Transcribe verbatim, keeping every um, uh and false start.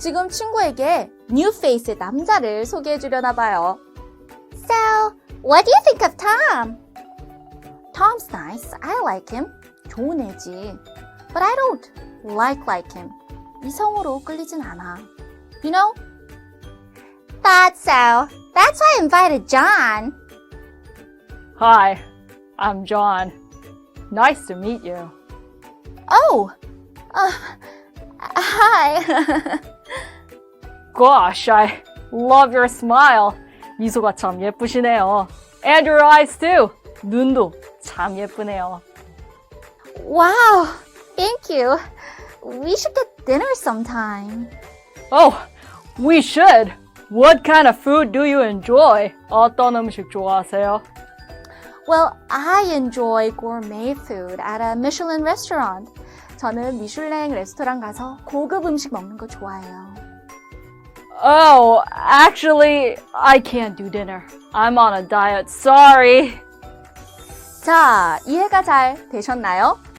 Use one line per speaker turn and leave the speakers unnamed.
지금 친구에게 new face의 남자를 소개해 주려나 봐요. So, what do you think of Tom? Tom's nice. I like him. 좋은 애지. But I don't like like him. 이성으로 끌리진 않아. You know? Thought so. That's why I invited John.
Hi, I'm John. Nice to meet you.
Oh, uh, hi.
Gosh, I love your smile. 미소가 참 예쁘시네요. And your eyes too. 눈도 참 예쁘네요.
Wow, thank you. We should get dinner sometime.
Oh, we should. What kind of food do you enjoy? 어떤 음식 좋아하세요?
Well, I enjoy gourmet food at a Michelin restaurant. 저는 미슐랭 레스토랑 가서 고급 음식 먹는 거 좋아해요.
Oh, actually, I can't do dinner. I'm on a diet. Sorry.
자, 이해가 잘 되셨나요?